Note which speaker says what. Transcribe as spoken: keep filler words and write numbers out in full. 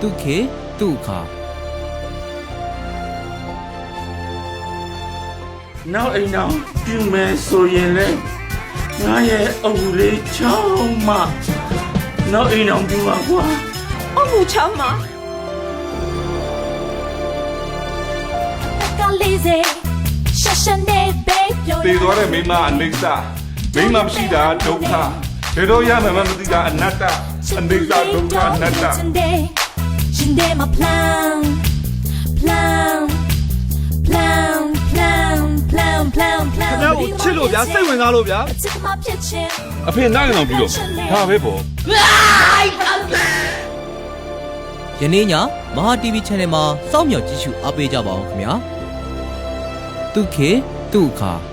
Speaker 1: တုခေတုခါ
Speaker 2: နောက်အိမ်အောင်ပြုမယ်ဆိုရင်လေငါရဲ့အုပ်လေးချောင်းမနောက်အိမ်အောင်ပြုပါကွာ
Speaker 3: အုပ်ချောင်းမကလေးစေရှာရှာနေဘေးပြော
Speaker 4: တေသွားတဲ့မိမအနေစာမိမမရှိတာဒုက္ခဘယ်တော့ရမှမမသိတာအနတ္တအနေစာဒုက္ခအနတ္တ
Speaker 3: ရှင်တဲ့မ plan plan plan plan plan plan plan
Speaker 5: ခင်ဗျားကိုချစ်လို့ဗျာစိတ်ဝင်စားလို့ဗျာ
Speaker 4: အဖေနိုင်အောင်ပြီးတော့ဒါပဲပေါ့
Speaker 1: ယနေ့ညမဟာ တီဗီ channel မှာစောင့်မျှော်ကြည့်ရှုအားပေးကြပါအောင်ခင်ဗျာတုခေတုခါ